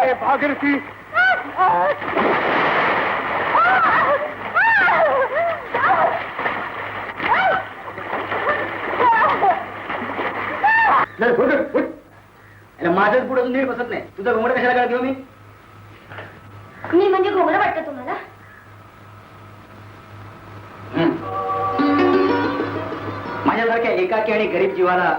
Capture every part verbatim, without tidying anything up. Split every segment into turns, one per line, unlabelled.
अरे भागीरथी
माझंच पुढे नीट बसत नाही. तुझं घोंगडं कशाला काढ घेऊ मी?
मी म्हणजे घोंगडं वाटतं तुम्हाला?
माझ्यासारख्या एकाकी आणि गरीब जीवाला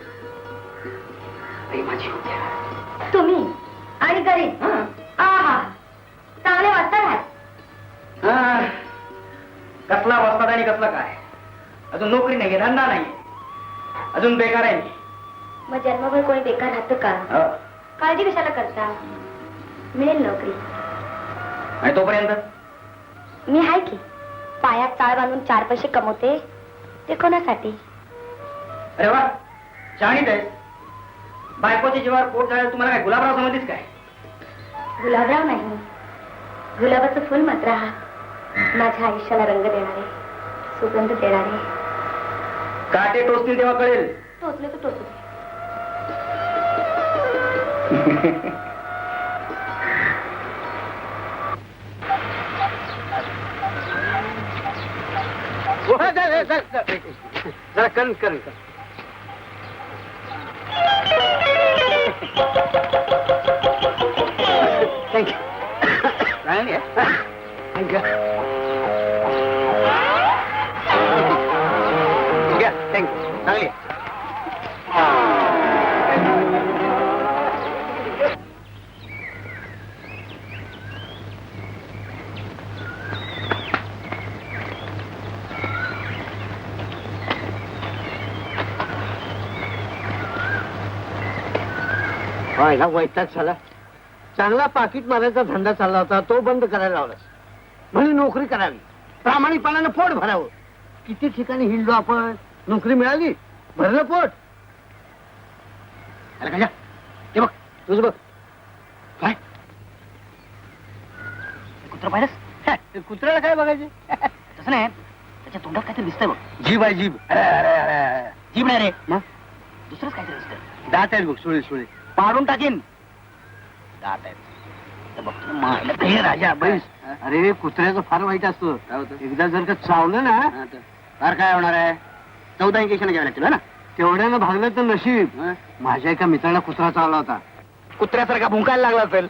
प्रेमाची होती.
तुम्ही आणि गरीब आहा चांगले वाचतात.
कसला वाचतात आणि कसला काय? अजून नोकरी नाही, धंदा नाही, अजून बेकार आहे मी.
मग जन्मभर कोणी बेकार राहतं का? काळजी कशाला करता? मिळेल नोकरी.
आणि तोपर्यंत
मी आहे की पायात चाळ बांधून चार पैसे कमवते. ते कोणासाठी?
अरे वा, जाणीत आहे. बायकोच्या जीवावर पोट जायला तुम्हाला काय गुलाबराव समजलीस काय?
गुलाबराव नाही, गुलाबाचं फुल मात्र हा. माझ्या आयुष्याला रंग देणारे, सुगंध देणारे.
काटे टोचतील तेव्हा कळेल.
टोचले तर टोचले.
जरा कन कन थँक्यू. थँक्यू थँक्यू चांगली. व्हायला वैताग झाला. चांगला पाकिट मारायचा धंदा चालला होता, तो बंद करायला लावलास. म्हणे नोकरी करावी, प्रामाणिकपणानं पोट भरावं. किती ठिकाणी हिंडलो आपण, नोकरी मिळाली, भरलं पोट. अरे का ते बघ, तुझं बघ. काय
कुत्र पाहिलंस?
कुत्र्याला काय बघायचे?
तसं नाही, त्याच्या तोंडात काहीतरी दिसतंय बघ.
जीभ आहे जीभ. अरे अरे अरे
जीभ नाही रे,
मग
दुसरंच काहीतरी दिसतंय.
दात आहेत बघ, सुळे सुळे.
पाडून टाकीन. दात आहेत. बघतो मायला काही राजा बैस.
अरे कुत्र्याचं फार वाईट असतं. एकदा जर का चावलं ना
फार काय होणार आहे? चौदा इंजेक्शन घ्यावे लागतील ना.
तेवढ्यानं भागलं तर नशीब. माझ्या एका मित्राला कुत्रा चावला होता.
कुत्र्यासारखा भुंकायला लागला असेल.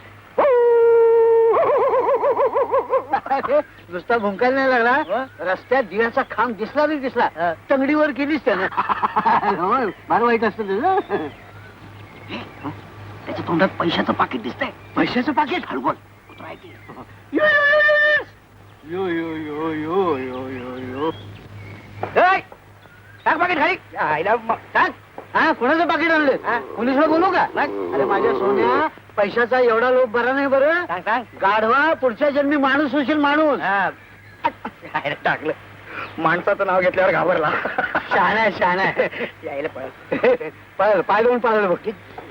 नुसता भुंकायला नाही लागला, रस्त्यात दिव्याचा खांब दिसला नाही दिसला, तंगडीवर केलीच त्यानं. फार वाईट असतं त्याचं.
त्याच्या तोंडात पैशाचं पाकिट दिसतंय.
पैशाचं पाकिट?
हळू बोल, कुत्रा आहे ते.
यो यो यो यो यो यो यो.
टाक पाकिट खाली.
टाक. हा, कोणाचं पाकिट आणलं? पोलिसला बोलू का? अरे माझ्या सोन्या, पैशाचा एवढा लोभ बरा नाही बरं.
सांग सांग.
गाढवा, पुढच्या जन्मी माणूस होशील माणूस.
टाकलं. माणसाचं नाव घेतल्यावर घाबरला.
शहाणा आहे, शहाणा आहे.
यायला पळ.
पळाल, पाय दोन पाळलं बघ.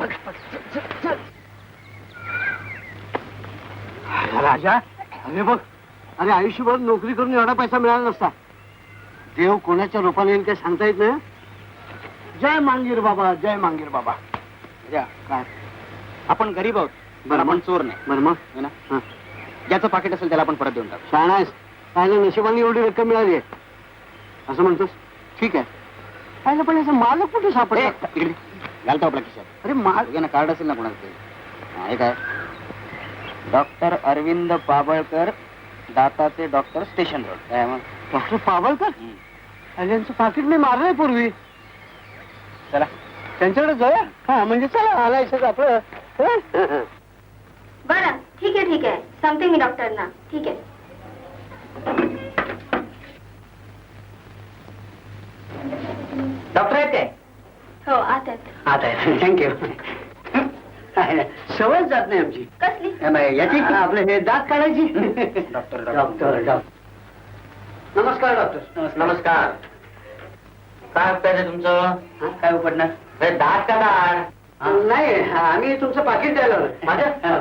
राजा, अरे बघ, अरे आयुष्यभर नोकरी करून एवढा पैसा मिळाला नसता. देव कोणाच्या रूपाने येईल काय सांगता येत नाही. जय मांगीर बाबा, जय मांगीर बाबा.
काय आपण गरीब आहोत, बरं आपण चोर नाही.
बरं मग
है ना? ज्याचं पाकिट असेल त्याला आपण परत देऊन टाकू.
शहाणा आहेस. काय नशिबाने एवढी रक्कम मिळाली आहे असं म्हणतोस? ठीक आहे. काय पण याचा मालक कुठे सापडला?
घालतो आपल्या खिशात.
अरे माल
ना कार्ड असेल ना कोणाचं तरी. हे काय? डॉक्टर अरविंद पाबळकर, दाताचे डॉक्टर, स्टेशन रोड. काय मग?
डॉक्टर पाबळकर? आणि यांचं पाकिट मी मारलंय पूर्वी.
चला
त्यांच्याकडे जाऊया. हा म्हणजे चला, आलायचं आपलं.
बरं ठीक आहे ठीक आहे, सांगते मी डॉक्टरना. ठीक आहे.
डॉक्टर आहेत काय?
हो आत आहेत.
आता थँक्यू. सवय जात नाही आमची.
कसली?
याची आपलं हे दात काढायची.
डॉक्टर
डॉक्टर डॉक्टर नमस्कार डॉक्टर.
नमस्कार. काय उपयोग तुमचं? काय उपडणार? दात का दात?
नाही, आम्ही तुमचं पाकिट द्यायला आलोय. माझ्या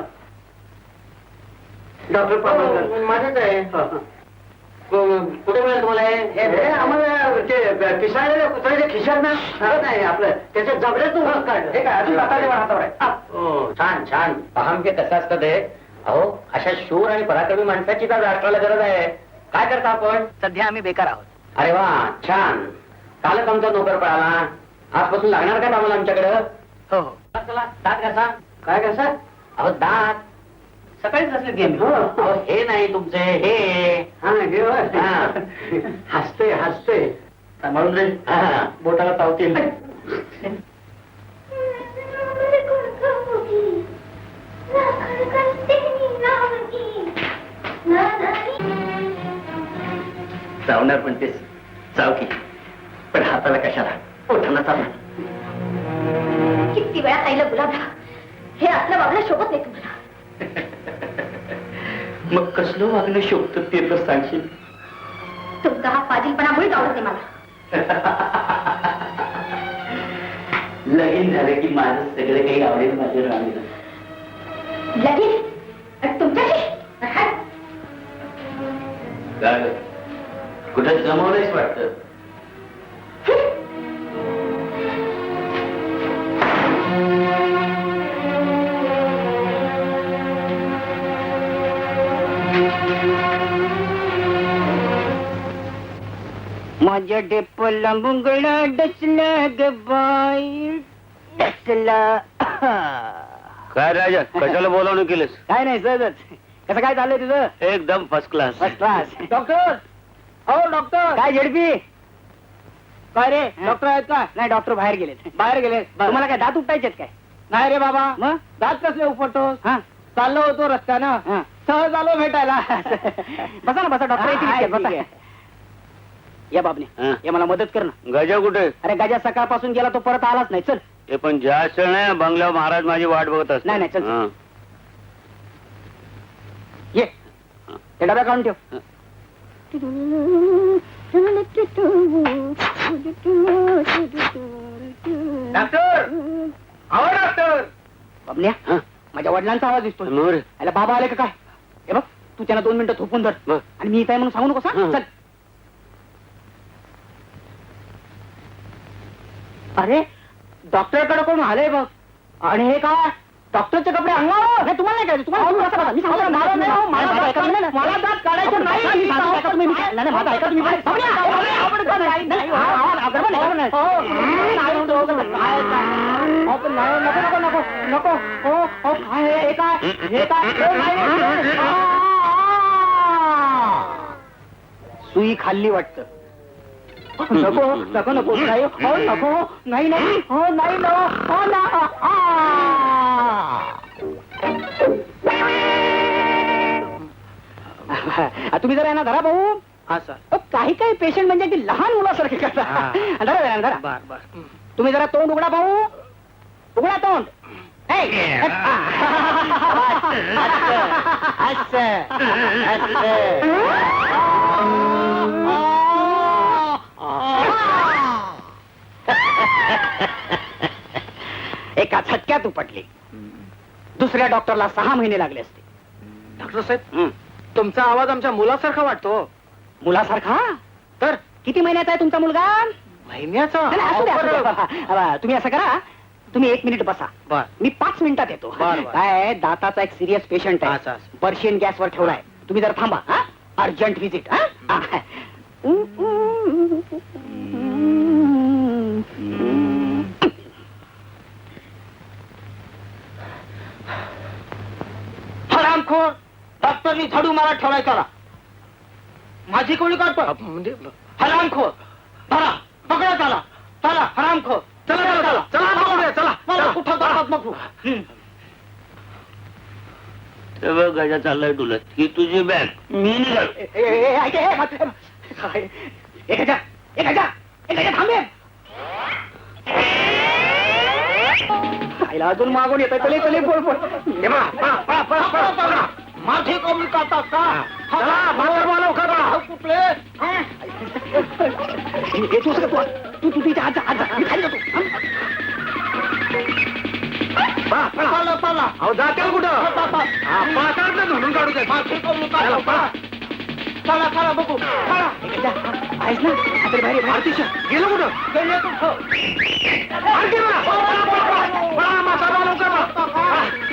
डॉक्टर पाबळकर
माझंच आहे. कुठे मिळेल तुम्हाला
हे आम्हाला ते पिसाळलेल्या कुत्र्याच्या खिशात ना नाही आपलं त्याच्या जबड्यातून घास काढलं.
हे काय अजून दाताच्या हातावर आहे? छान छान पहा म्हणजे कसं असतं ते. अहो अशा शूर आणि पराक्रमी माणसाची तर राष्ट्राला गरज आहे. काय करता आपण?
सध्या आम्ही बेकार आहोत.
अरे वा छान. कालच आमचा नोकर पळाला. आजपासून लागणार काय आम्हाला आमच्याकडं?
हो हो.
चला दात घासा. काय घासा? अहो दात
सकाळीच असले गेम.
अहो, हे नाही तुमचे हे.
हा हे होय.
हा.
हसते हसते
सांभाळून रे. हा, बोटाला चावतील.
चावणार पण तेच चाव की, पण हाताला कशाला पोटाला चावणार.
किती वेळा खायला गुलाबराव, हे असलं वागणं शोभत नाही तुम्हाला.
मग कसलं वागणं शोभतं ते तर सांगशील?
तुमचा हा फाजीलपणा मुळीच आवडत नाही मला.
लगीन झालं की माझं सगळं काही आवडेल माझ्या राणीला.
लगीन आणि तुमच्याशी
काय ग? कुठं जमवलंयच वाटतं.
माझ्या डेपला मुंगळा डसला ग बाई डसला.
काय राजा कशाला बोलावणं केलंस?
काय नाही सहजच. कसं काय चाललंय तुझं?
एकदम first class.
First class.
Doctor हो डॉक्टर.
काय झेडपी?
काय रे डॉक्टर आहेत का?
नाही डॉक्टर बाहेर गेलेत.
बाहेर गेले?
तुम्हाला काय दात उपटायचेत काय?
नाही रे बाबा.
मग
दात कसले उपटतोस?
हा
चाललो होतो रस्त्यानं
हा.
सहज आलो भेटायला.
बसा ना बसा. डॉक्टर येतील इतक्यात, बसा. या बाबने
हा.
या मला मदत कर ना.
गजा कुठे?
अरे गजा सकाळपासून गेला तो परत आलाच नाही. चल.
हे पण जास्त नाही बंगल्यावर महाराज माझी वाट बघत असतात.
नाही, नाही, चल.
हा.
ये ते डब्या काढून ठेव.
डॉक्टर अहो डॉक्टर.
बाबन्या
हा.
माझ्या वडिलांचा आवाज दिसतो.
नोर.
अरे बाबा आले का काय? हे बघ तू त्यांना दोन मिनिटं थोपून धर.
बरं.
आणि मी इथे आहे म्हणून सांगू नकोस. हा?
हा.
चल. अरे डॉक्टरकडे कोण आलंय बघ. आणि हे काय डॉक्टरचे कपडे अंगावर. नाही तुम्हाला नाही करायचं. तुम्हाला तुम्ही बसा, बसा. मी सांगतो. मला नाही, हो, मला दात काढायचं नाही. मला दात काढायचं नाही. मी सांगतो ऐका तुम्ही. मी- नाही, नाही, माझं ऐका तुम्ही. बाबन्या, बाबन्या, आपण काय नाही, नाही, हा, हा, गडबड नाही, गडबड नाही. हो, नाही, म्हणतो, हो, काय, काय. हो, पण नाही, नको नको नको नको. हो हो काय हे हे काय हे काय हे नाही. आ, आ. सुई खाल्ली वाटतं. नको नको नको नाही हो नको नाही नाही हो नाही नो हो ना. आ. तुम्ही जरा ना धरा भाऊ.
हा सर.
अहो, काही काही पेशंट म्हणजे अगदी लहान मुलासारखे करतात. धरा धरा धरा.
बर बर.
तुम्ही जरा तोंड उघडा भाऊ. उघडा तोंड. ए, असं, असं, एका झटक्यात उपटली. दुसऱ्या डॉक्टरला सहा महिने लागले असते.
डॉक्टर साहेब तुमचा आवाज आमच्या मुलासारखा वाटतो.
मुलासारखा?
तर
किती महिन्याचा आहे तुमचा मुलगा?
महिन्याचा?
नाही, नाही, असू द्या, असू द्या. अबा, तुम्ही असं करा. तुम्ही एक मिनिट बसा.
बर.
मी पाच मिनिटात येतो.
बर, बर.
काय आहे, दाताचा एक सिरियस पेशंट
अच्छा,
आहे.
अच्छा.
पर्शियन गॅसवर ठेवलाय. तुम्ही जरा थांबा. हा अर्जंट व्हिजिट. हा
हरामखोर. डॉक्टरनी झाडू मारा ठेवलाय त्याला. माझी कोणी काढतो म्हणजे हरामखोर. धरा पकडा त्याला. चला हरामखोर. चला चला चला चला पकडूया, चला मला कुठं जातात नको. गजा चाललाय तुला ही तुझी बॅग. मी निघाल.
आईला अजून मागून येतोय. चले चले बोल बोल.
माझी कमी काढतात का? चला बाजार मला करा कुठले.
हे तू सगळं तू तू तू तिच्या आज आज मी खाली जातो.
चला चला. अहो जातील कुठं? पासाळचं धुणून काढू दे. माझी कमी काढतात. चला चला बघू. चला
आहेस ना आता बाहेर
आरतीश गेलो कुठं? गेले कुठं? आणखी बघा. बघा, बघा, बघा, बघा, बघा, बघा, बघा, बघा, बघा, बघा,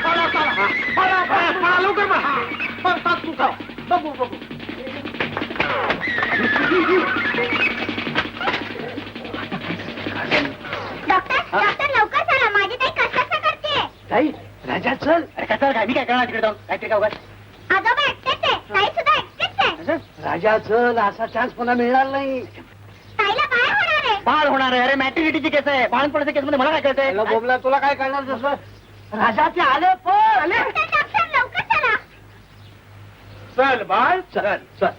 राजा चल.
अरे कसं काय मी काय करणार तिकडे जाऊन काहीतरी काय उगाच.
आजोबा एकटेच आहे ताई सुद्धा एकटेच आहे.
राजा चल, असा चान्स पुन्हा मिळणार नाही.
ताईला बाळ होणार आहे.
बाळ होणार आहे. अरे मॅट्रिनिटीची केस आहे. बाळणपणाच्या केस मध्ये मला काय कळतंय.
अरे बोबला, तुला काय करणार तसं? राजा ते आले पण आले.
डॉक्टर, डॉक्टर, लवकर चला.
चल बाळ चल चल.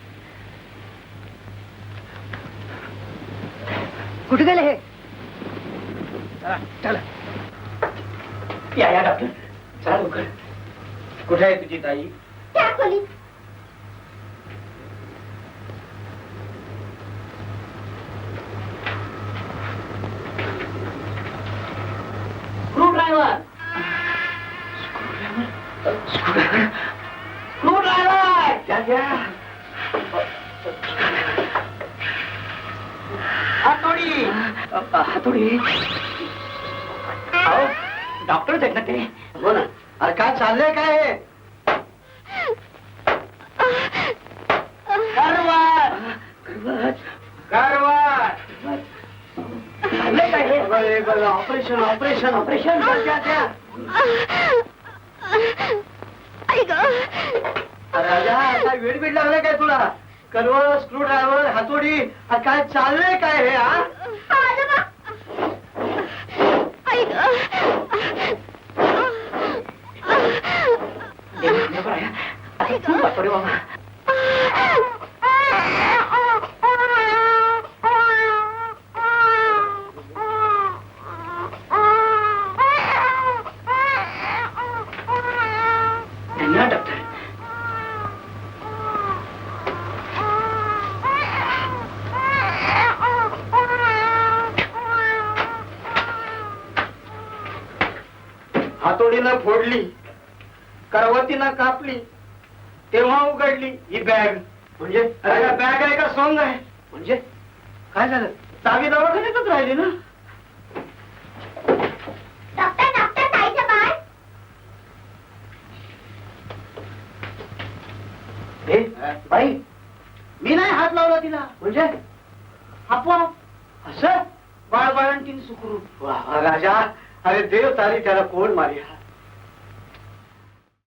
कुठे गेले हे.
चला चला.
या या डॉक्टर चला लवकर.
कुठे आहे तुझी ताई?
त्या खोलीत.
Screwdriver. Screwdriver.
घ्या घ्या.
हातोडी. हातोडी. अहो डॉक्टरच आहेत ना ते.
हो ना. अरे काय चाललंय काय हे?
कारवार.
कारवार.
चाललंय काय हे.
Operation operation
operation.
घ्या घ्या.
आई ग.
अरे राजा काय वेळ बीड लागलाय काय तुला? कलवर, स्क्रू ड्रायव्हर, हातोडी. अरे काय चाललंय काय हे? हा
आजोबा. आई ग.
आता खूप वाटोरे बाबा. धन्यवाद डॉक्टर.
हातोडीनं फोडली, करवतीनं कापली, तेव्हा उघडली ही बॅग. म्हणजे अरे बॅग आहे का सॉंग आहे? म्हणजे काय झालं? चावी दवाखान्यातच राहिली ना.
डॉक्टर, डॉक्टर, ताईचं बाळ.
हे बाई, मी नाही हात लावला तिला. म्हणजे आपोआप असं बाळ बाळंतीन सुखरूप. वा वा, राजा. अरे देव तारी त्याला कोण मारिया.